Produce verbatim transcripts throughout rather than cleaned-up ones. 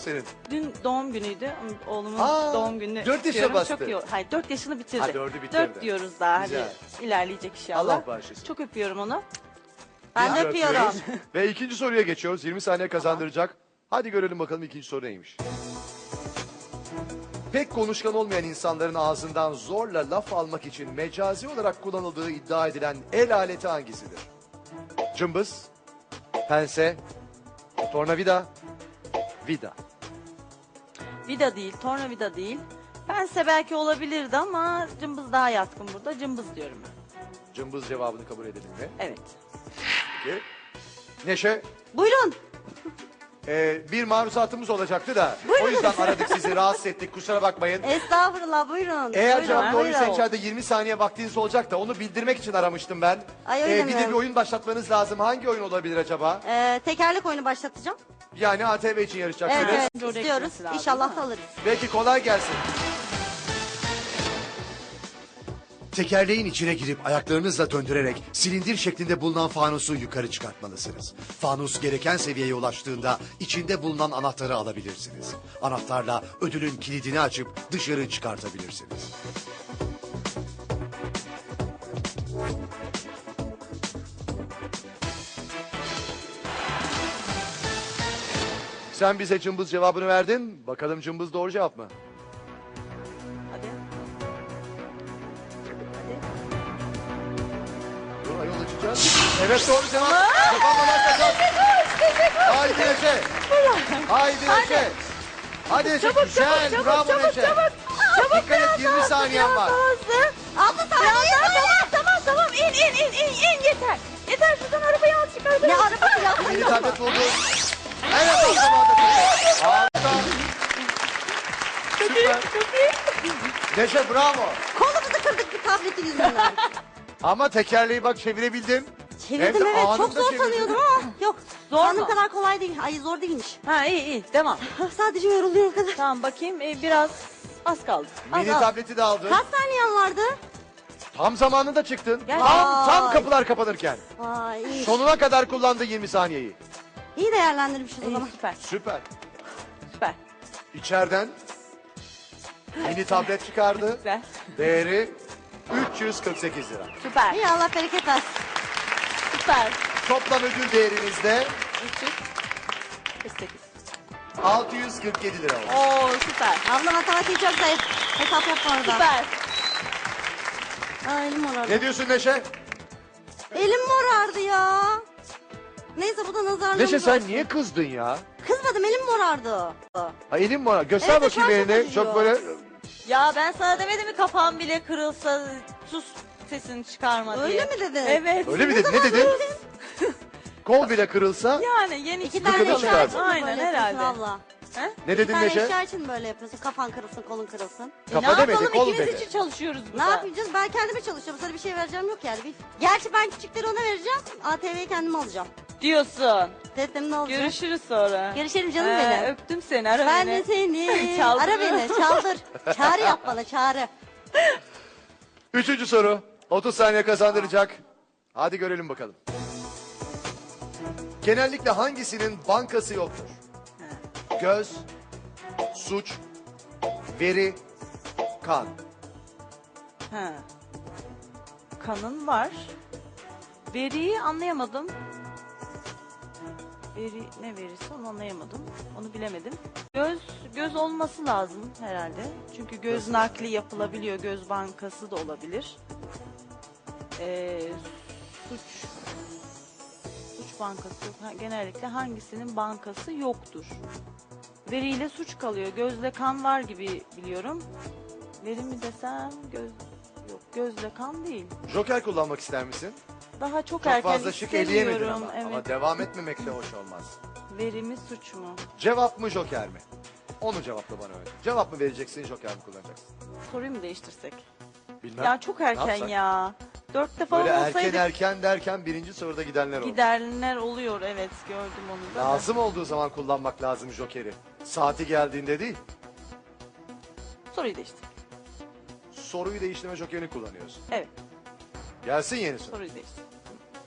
senin? Dün doğum günüydü. Oğlumun Aa, doğum gününü dört yaşına kutluyorum. bastı. Çok iyi. Hayır, dört yaşını bitirdi. Ha, dördü bitirdi. Dört diyoruz daha. Güzel. Hadi ilerleyecek inşallah. Allah bağışlasın. Çok öpüyorum onu. Ben de Biz öpüyorum. öpüyoruz. Ve ikinci soruya geçiyoruz. yirmi saniye kazandıracak. Hadi görelim bakalım ikinci soru neymiş. Pek konuşkan olmayan insanların ağzından zorla laf almak için mecazi olarak kullanıldığı iddia edilen el aleti hangisidir? Cımbız, pense, tornavida, vida. Vida değil, tornavida değil. Pense belki olabilirdi ama cımbız daha yatkın burada. Cımbız diyorum ben. Cımbız cevabını kabul edelim mi? Evet. Peki. Neşe, Buyurun. e, bir maruzatımız olacaktı da o yüzden aradık sizi, rahatsız ettik, kusura bakmayın. Estağfurullah, buyurun. Eğer Buyurun, cevap doğruysa buyurun. içeride yirmi saniye vaktiniz olacak da onu bildirmek için aramıştım ben. Ay, öyle Ee, bir de mi? bir oyun başlatmanız lazım. Hangi oyun olabilir acaba? Ee, tekerlek oyunu başlatacağım. Yani A T V için yarışacaksınız. Evet, evet Oraya istiyoruz. gitmesi lazım, İnşallah değil da mi? alırız. Belki kolay gelsin. Tekerleğin içine girip ayaklarınızla döndürerek silindir şeklinde bulunan fanusu yukarı çıkartmalısınız. Fanus gereken seviyeye ulaştığında içinde bulunan anahtarı alabilirsiniz. Anahtarla ödülün kilidini açıp dışarı çıkartabilirsiniz. Sen bize cımbız cevabını verdin. Bakalım cımbız doğru cevap mı? Hadi. Hadi. Dur ayol açacağız. Evet doğru cevap. Kapanmadan kazan. Haydi Neşe. Haydi Neşe. Hadi Neşe. Çabuk, Güzel. çabuk, Bravo çabuk, Neşe. çabuk. Dikkat et yirmi saniyen var. Hızlı. Altı Biraz saniye. daha, tamam tamam tamam. İn in in in in yeter. Yeter şuradan arabayı al çıkar. Ne araba ya? Mini tablet buldu. Evet o zaman da. Harika. Süper. Neşe bravo. Kolumuzu kırdık bir tabletin yüzünden. Ama tekerleği bak çevirebildin. Hem Çevirdim de evet. Çok anında zor çevirdin. sanıyordum ama yok. Zor Sandığım mu? kadar kolay değil. Ay zor değilmiş. Ha iyi iyi devam. Sadece yoruluyorum o kadar. Tamam bakayım e, biraz az kaldı. Az, Mini az. tableti de aldın. Kaç saniyen vardı? Tam zamanında çıktın. Gel. Tam, tam Vay. kapılar kapanırken. Vay iyi. Sonuna kadar kullandı yirmi saniyeyi. İyi değerlendirmişiz o İyi, zaman. süper Süper. süper. İçeriden mini tablet çıkardı. Güzel. Değeri üç yüz kırk sekiz lira. Süper. İyi Allah bereket versin. Süper. Toplam ödül değerinizde üç yüz kırk sekiz. altı yüz kırk yedi lira oldu. Oo süper. Abla matematiği çok zayıf. Hesap yapma orada. Süper. Aa, elim morardı. Ne diyorsun Neşe? Elim morardı ya. Neyse bu da nazarlığımız Neşe sen olsun. niye kızdın ya? Kızmadım elim morardı. Ha, elin mi var? Göster Evet, bakayım şu an çok elini. Çok acıyor. böyle Ya ben sana demedim mi kafam bile kırılsa sus sesini çıkarma diye. Öyle mi dedin? Evet. öyle mi dedin? Ne dedin? Kol bile kırılsa Yani yeni İki çıkan tane Gıkını eşya çıkardın. için mi Aynen böyle yapıyorsun herhalde. abla? He? ne Bir dedin tane Neşe? eşya için mi böyle yapıyorsun? Kafan kırılsın, kolun kırılsın. E, Kafa ne demedi, yapalım kol ikimiz dedi. için çalışıyoruz Ne burada. yapacağız? Ben kendime çalışıyorum. Sana bir şey vereceğim yok yani. Bir... Gerçi ben küçükleri ona vereceğim. A T V'yi kendime alacağım. Diyorsun. Dedim ne olacak? Görüşürüz sonra. Görüşelim canım Ee, benim. Öptüm seni ara Ben beni. de seni. Çaldır. Ara beni, çaldır. Çağrı yap bana, çağrı. Üçüncü soru. otuz saniye kazandıracak. Hadi görelim bakalım. Genellikle hangisinin bankası yoktur? Göz, suç, veri, kan. Ha. Kanın var. Veriyi anlayamadım. Veri ne verisi onu anlayamadım. Onu bilemedim. Göz göz olması lazım herhalde. Çünkü göz Göz. nakli yapılabiliyor. Göz bankası da olabilir. Ee, suç suç bankası yok. Ha, genellikle hangisinin bankası yoktur? Veriyle suç kalıyor. Gözle kan var gibi biliyorum. Veri mi desem göz yok. Gözle kan değil. Joker kullanmak ister misin? Daha çok, Çok erken fazla şık eleyemedin istemiyorum. ama. Evet. Ama devam etmemek de hoş olmaz. Veri mi suç mu? Cevap mı joker mi? Onu cevapla bana öyle. Cevap mı vereceksin, joker mi kullanacaksın? Soruyu mu değiştirsek? Bilmem. Ya çok Ne erken yapsak? ya. Dörtte falan Böyle erken olsaydık erken derken birinci soruda gidenler oldu. giderler oluyor. Evet gördüm onu da. Lazım olduğu zaman kullanmak lazım jokeri. Saati geldiğinde değil. Soruyu değiştir. Soruyu değiştirme jokerini kullanıyorsun. Evet Gelsin yeni soru. soruyu değiştir.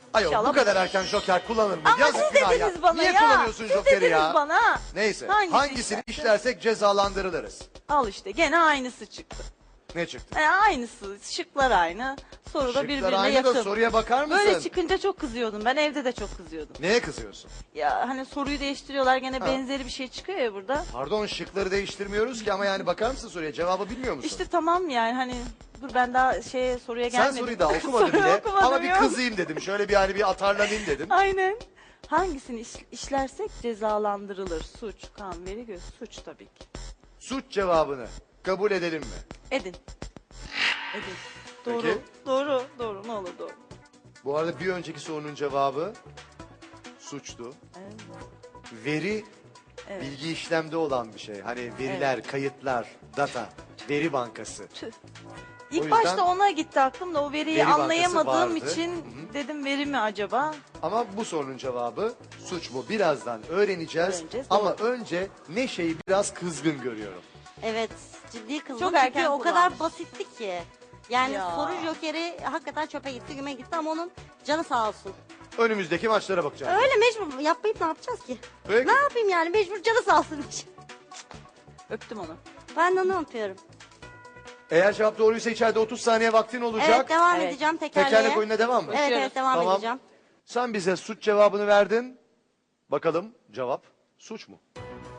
Ayol bu İnşallah kadar erken joker kullanır mı? Ama Yazık siz günah dediniz ya. bana Niye ya. kullanıyorsun Siz jokeri dediniz ya? bana. Neyse Hangisi hangisini işlerse? işlersek cezalandırılırız. Al işte gene aynısı çıktı. Ne çıktı? E, aynısı. Şıklar aynı. Soru da Şıklar birbirine aynı yakın. da soruya bakar mısın? Böyle çıkınca çok kızıyordum. Ben evde de çok kızıyordum. Neye kızıyorsun? Ya hani soruyu değiştiriyorlar gene Ha. benzeri bir şey çıkıyor ya burada. Pardon şıkları değiştirmiyoruz ki ama yani bakar mısın soruya? Cevabı bilmiyor musun? İşte tamam yani hani dur ben daha şeye soruya Sen gelmedim. soruyu daha okumadın Soruyu bile okumadım ama bir ya. kızayım dedim. Şöyle bir hani bir atarlanayım dedim. Aynen. Hangisini iş- işlersek cezalandırılır? Suç, kan, veri, göz. Suç tabii ki. Suç cevabını kabul edelim mi? Edin. Edin. Doğru. Peki. Doğru. Doğru. Ne olur doğru. Bu arada bir önceki sorunun cevabı suçtu. Evet. Veri Evet. bilgi işlemde olan bir şey. Hani veriler, kayıtlar, data, veri bankası. Tüh. O İlk yüzden başta ona gitti aklım da o veriyi veri bankası anlayamadığım vardı. için Hı hı. dedim veri mi acaba? Ama bu sorunun cevabı suç mu? Birazdan öğreneceğiz. Öğreneceğiz, Ama önce Neşe'yi biraz kızgın görüyorum. Evet ciddi kızdım Çok çünkü erken o kadar kullanmış. basitti ki. Yani Ya. soru jokeri hakikaten çöpe gitti güme gitti ama onun canı sağ olsun. Önümüzdeki maçlara bakacağız. Öyle mecbur yapmayıp ne yapacağız ki? Peki. Ne yapayım yani mecbur canı sağ olsun. Öptüm onu. Ben de onu yapıyorum. Eğer cevap doğruysa içeride otuz saniye vaktin olacak. Evet devam Evet. edeceğim tekerleğe. Tekerlek oyununa devam mı? Evet evet devam Tamam. edeceğim. Sen bize suç cevabını verdin. Bakalım cevap suç mu?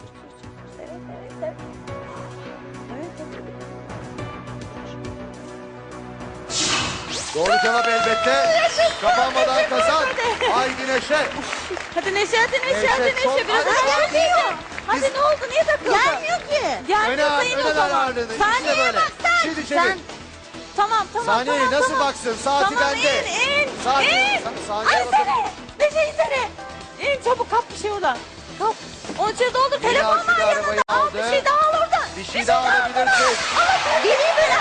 Doğru cevap elbette. Kapanmadan kazan. Haydi Neşe. Hadi Neşe hadi Neşe Neşe, hadi Neşe. son- Biraz Hadi, daha hadi. gelmiyor. Hadi Biz- ne oldu niye takıldın? Gelmiyor ki. Gelmiyor Öne al, sayın o öne ver zaman. ağırlığını. İşte Saniye böyle. bak sen. Şimdi çevir. Sen. Tamam tamam Saniyeyi tamam. nasıl tamam. baksın? Saati Tamam bende. in in Saniye- in. sa- saniye Ay bakın. seni. Neşe insene. İn çabuk kap bir şey oradan. Kap. Onun içeri doldur. Yeni Telefon akülü var yanında. arabayı Al aldı. bir şey daha al oradan. Bir şey daha alabilirsin. Geleyim ben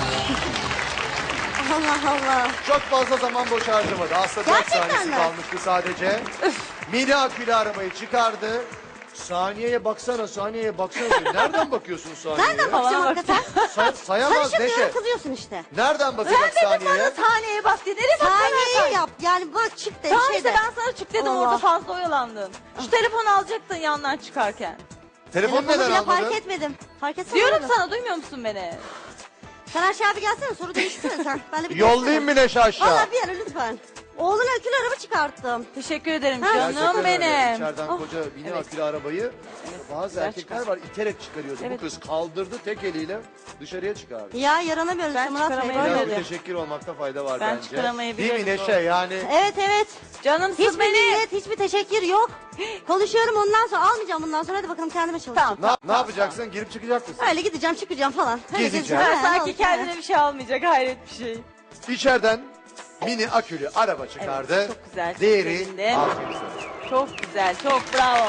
Allah Allah. Çok fazla zaman boş harcamadı. Aslında dört Gerçekten saniyesi mi? kalmıştı sadece. Mini akülü arabayı çıkardı. Saniyeye baksana, saniyeye baksana. Nereden bakıyorsun saniyeye? Nereden bakacağım Bana bak. hakikaten? Say- sayamaz Karışık Neşe. diyorum kızıyorsun işte. Nereden Ben bakacak dedim saniyeye? sana saniyeye bak diye. Nereye bak Saniyeyi yap. Yani bak çık de Tamam bir şey işte de. ben sana çık dedim Allah. orada fazla oyalandın. Şu telefonu alacaktın yandan çıkarken. Telefon Telefonu neden bile almadın? fark etmedim. Fark etsene. Diyorum oğlum. sana duymuyor musun beni? Sen aşağı bir gelsene soru değiştirsene sen. Ben de bir Yollayayım mı Neşe aşağı? Valla bir ara lütfen. Oğluna akülü araba çıkarttım. Teşekkür ederim Ha, canım Gerçekten öyle. benim. İçeriden Oh. koca mini Evet. akülü arabayı bazı güzel erkekler çıkar. var iterek çıkarıyordu. Evet. Bu kız kaldırdı tek eliyle dışarıya çıkardı. Ya yaranamıyoruz Ben işte Murat Bey. çıkaramayabilirim. Böyle. Biraz Öyle. müteşekkir olmakta fayda var Ben bence. çıkaramayabilirim Değil mi bu Neşe yani? Evet evet. Canımsın Hiçbir beni. millet, hiçbir teşekkür yok. Konuşuyorum ondan sonra almayacağım bundan sonra. Hadi bakalım kendime çalışacağım. Tamam. Ne, ne yapacaksın? Girip çıkacak mısın? Öyle gideceğim çıkacağım falan. Öyle Gezeceğim. gezeceğim. Ben Ha, sanki olsun, kendine bir şey almayacak hayret bir şey. İçeriden mini akülü araba çıkardı. Evet, çok güzel, çok Değeri sevindim. altı yüz lira. Çok güzel çok bravo.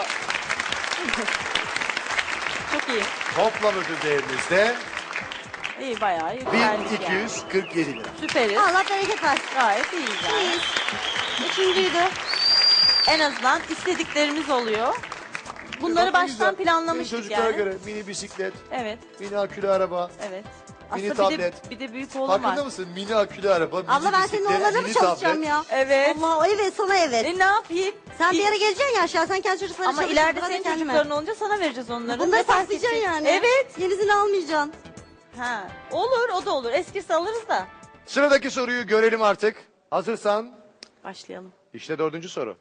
Çok iyi. Toplam ödül değerimiz de İyi bayağı bin yükseldik iki yani. yüz kırk yedi lira. Süperiz. Allah bereket versin. Gayet iyiyiz yani. İyiyiz. Üçüncüydü. En azından istediklerimiz oluyor. Bunları Bak ne baştan güzel. planlamıştık Senin çocuklara yani. göre mini bisiklet, Evet, mini akülü araba. evet. Mini Aslında bir de, tablet. bir de büyük oğlum Farkında var. mısın? Mini akülü araba, mini Abla ben senin bisiklet, oğlanla mı mini çalışacağım tablet. ya? Evet. Allah evet sana evet. E ne yapayım? Sen bir İ- ara geleceksin ya aşağı. Sen kendi çocuklarına Ama çalışırsın, ileride ben de senin kendime. çocukların olunca sana vereceğiz onları. Bunları Ne fark saklayacaksın edecek? yani. Evet. Yenisini almayacaksın. Ha. Olur o da olur. Eskisi alırız da. Sıradaki soruyu görelim artık. Hazırsan Başlayalım. işte dördüncü soru.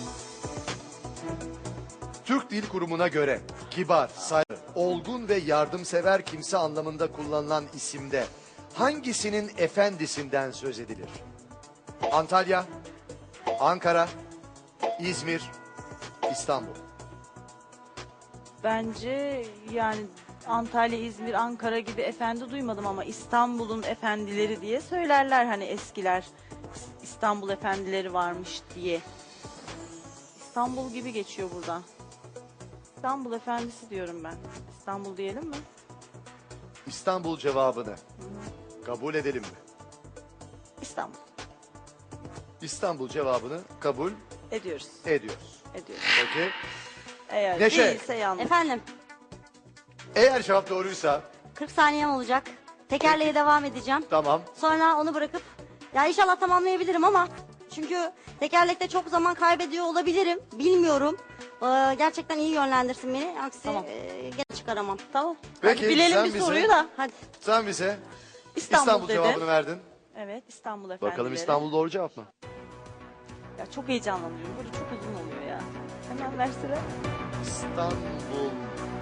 Türk Dil Kurumu'na göre kibar, saygılı, olgun ve yardımsever kimse anlamında kullanılan isimde hangisinin efendisinden söz edilir? Antalya, Ankara, İzmir, İstanbul. Bence yani Antalya, İzmir, Ankara gibi efendi duymadım ama İstanbul'un efendileri diye söylerler hani eskiler. İstanbul efendileri varmış diye. İstanbul gibi geçiyor burada. İstanbul efendisi diyorum ben. İstanbul diyelim mi? İstanbul cevabını kabul edelim mi? İstanbul. İstanbul cevabını kabul Ediyoruz. ediyoruz. Ediyoruz. Peki. Eğer Neşe. değilse yanlış. Efendim Eğer cevap doğruysa kırk saniyem olacak. Tekerleğe devam edeceğim. tamam. Sonra onu bırakıp ya inşallah tamamlayabilirim ama Çünkü tekerlekte çok zaman kaybediyor olabilirim. Bilmiyorum. Ee, gerçekten iyi yönlendirsin beni. Aksi Tamam. e, gene çıkaramam. Tamam. Peki, Hadi bilelim sen bir bize- soruyu da. Hadi. Sen bize İstanbul, İstanbul dedim. cevabını verdin. Evet, İstanbul efendileri. Bakalım İstanbul doğru cevap mı? Ya çok heyecanlanıyorum. Böyle çok uzun oluyor ya. Hemen versene. İstanbul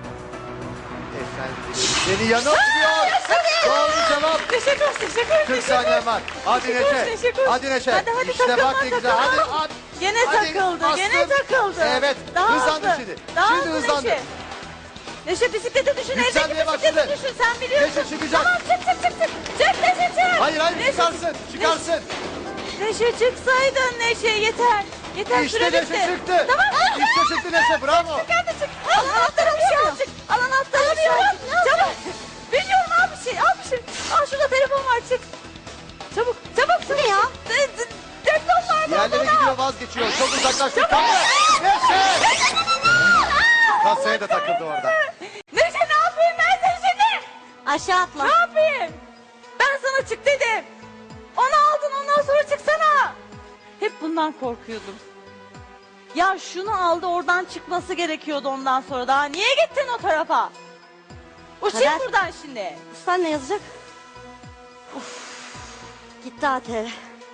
efendileri seni yanıltmıyor. Doğru cevap. Teşekkür ederim. Teşekkür ederim. kırk saniyen var. Hadi Teşekkür ederim, Neşe. teşekkür ederim. Hadi Neşe. Hadi, hadi, işte takılma, bak ne güzel. Hadi takılma. at. Gene Hadi, takıldı. bastın. Gene takıldı. Evet. Daha hızlandı hızlı. şimdi. Daha Şimdi hızlı hızlandı. Neşe. Neşe bisiklete düşün. Yükselmeye Evdeki bisiklete başladı. düşün. Sen biliyorsun. Neşe çıkacak. Tamam çık çık çık çık. Çık Neşe çık. Hayır hayır Neşe, çıkarsın. Çıkarsın. Neşe çıksaydın Neşe yeter. Yeter İşte süre Neşe bitti. çıktı. Tamam. İşte çıktı Neşe. Bravo. Çık hadi çık. Al anahtarı aşağı çık. Al anahtarı aşağı çık. Çabuk. Biliyorum al bir şey. Al bir şey. Al şurada telefon var çık. Çabuk. Çabuk. Bu ne ya? Laptop var Diğerleri odada. gidiyor vazgeçiyor. Çok uzaklaştı. Tamam. Neşe. Kasaya da takıldı orada. Neşe ne yapayım ben seni şimdi? Aşağı atla. Ne yapayım? Ben sana çık dedim. Onu aldın ondan sonra çıksana. Hep bundan korkuyordum. Ya şunu aldı oradan çıkması gerekiyordu ondan sonra. Daha niye gittin o tarafa? Uçayım Kader. buradan şimdi. Üstten ne yazacak? Uf. Gitti A T V.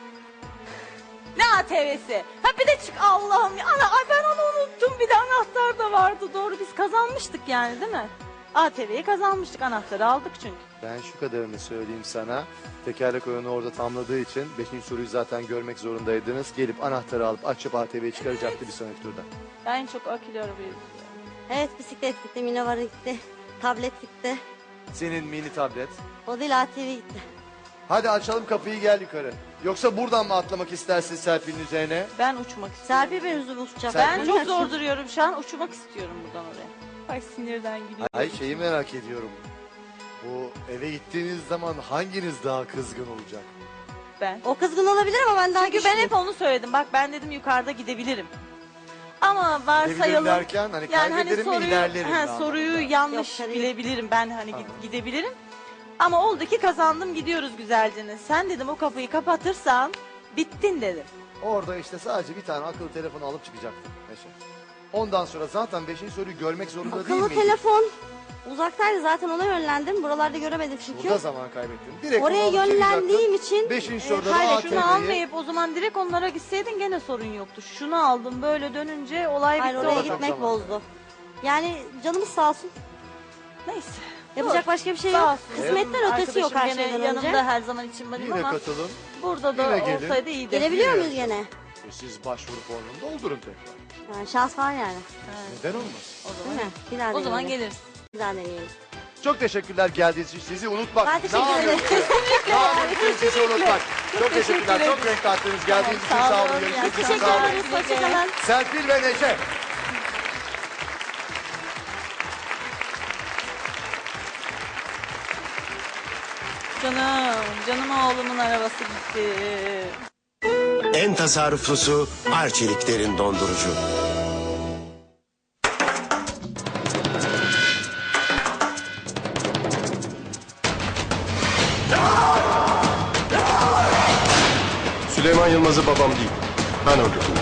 Ne A T V'si? Ha bir de çık Allah'ım ya. Ana, ay ben onu unuttum. Bir de anahtar da vardı. Doğru biz kazanmıştık yani değil mi? A T V'yi kazanmıştık. Anahtarı aldık çünkü. Ben şu kadarını söyleyeyim sana. Tekerlek oyunu orada tamladığı için beşinci soruyu zaten görmek zorundaydınız. Gelip anahtarı alıp açıp A T V'yi çıkaracaktı bir sonraki turda. Ben çok akülü arabayı. Evet bisiklet gitti, minivara gitti, tablet gitti. Senin mini tablet. O değil A T V gitti. Hadi açalım kapıyı gel yukarı. Yoksa buradan mı atlamak istersin Serpil'in üzerine? Ben uçmak istiyorum. Serpil ben üzüm uçacak. Serpil- Ben çok zor duruyorum şu an. Uçmak istiyorum buradan oraya. Ay sinirden gülüyorum. Ay şeyi merak ediyorum. Bu eve gittiğiniz zaman hanginiz daha kızgın olacak? Ben. O kızgın olabilir ama ben daha Çünkü ben güçlüyüm. hep onu söyledim. Bak ben dedim yukarıda gidebilirim. Ama Gidebilirim varsayalım. derken hani Yani hani kaybederim mi soruyu, ilerlerim mi ha, anlamında? soruyu yanlış Yok, tabii. bilebilirim. Ben hani Tamam. gid- gidebilirim. Ama oldu ki kazandım gidiyoruz güzelce. Sen dedim o kapıyı kapatırsan bittin dedim. Orada işte sadece bir tane akıllı telefonu alıp çıkacaktım Neşe. Ondan sonra zaten beşinci soruyu görmek zorunda değil Akıllı miydin? telefon uzaktaydı zaten ona yönlendim. Buralarda göremedim çünkü. Burada zaman kaybettin. Direkt Oraya onu alıp yönlendiğim çıkacaktın. için Beşinci e, soruda da Hayır A T şunu V'yi... almayıp o zaman direkt onlara gitseydin gene sorun yoktu. Şunu aldım böyle dönünce olay Hayır bitti. oraya orada. çok gitmek zaman. bozdu. Yani canımız sağ olsun. Neyse. Yapacak Dur. başka bir şey Sağ yok. olsun. Kısmetler ötesi yok her Arkadaşım gene şeyden önce. yanımda her zaman için varım Yine ama katılın. burada da Yine gelin. olsaydı iyiydi. Gelebiliyor Yine muyuz gene? E Siz başvuru formunu doldurun tekrar. Yani şans var yani. Neden olmaz? O Değil zaman, mi? Bir daha o zaman deneyelim. geliriz. Bir daha deneyelim. Çok teşekkürler geldiğiniz için. Sizi unutmak. Ben teşekkür Ne ederim. yapıyorsunuz? Ne yapıyorsunuz? Sizi unutmak. Çok teşekkürler. teşekkür Çok renk kattınız. Geldiğiniz için Tamam, sağ sağ olun. olun. Görüşmek üzere. Teşekkür Sağ olun. ederiz. Hoşçakalın. Serpil ve Neşe. Canım, canım oğlumun arabası gitti. En tasarruflusu Arçelik'lerin dondurucu. Süleyman Yılmaz'ı babam değil. Ben öldürdüm.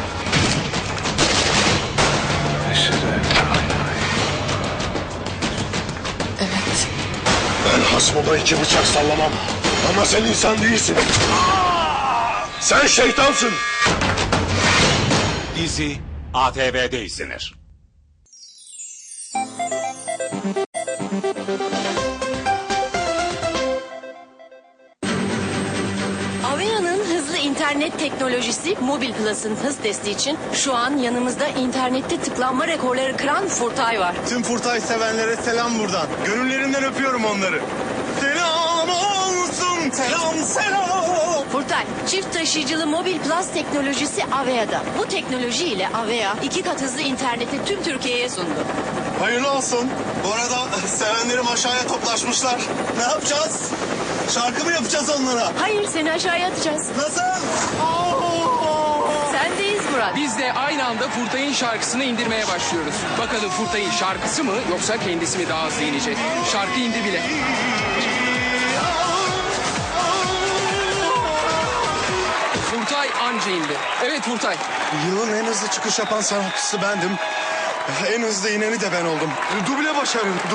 Ben hasmıma iki bıçak sallamam. Ama sen insan değilsin. Sen şeytansın. Dizi A T V'de izlenir. Avea'nın hızlı internet teknolojisi Mobil Plus'ın hız testi için şu an yanımızda internette tıklanma rekorları kıran Furtay var. Tüm Furtay sevenlere selam buradan. Gönüllerinden öpüyorum onları. Selam olsun, selam selam. Furtay, çift taşıyıcılı Mobil Plus teknolojisi Avea'da. Bu teknoloji ile Avea iki kat hızlı interneti tüm Türkiye'ye sundu. Hayırlı olsun. Bu arada sevenlerim aşağıya toplaşmışlar. Ne yapacağız? Şarkı mı yapacağız onlara? Hayır, seni aşağıya atacağız. Nasıl? Oo! Sendeyiz Murat. Biz de aynı anda Furtay'ın şarkısını indirmeye başlıyoruz. Bakalım Furtay'ın şarkısı mı yoksa kendisi mi daha hızlı inecek? Şarkı indi bile. Furtay anca indi. Evet Furtay. Yılın en hızlı çıkış yapan sanatçısı bendim. En hızlı ineni de ben oldum. Duble başarı.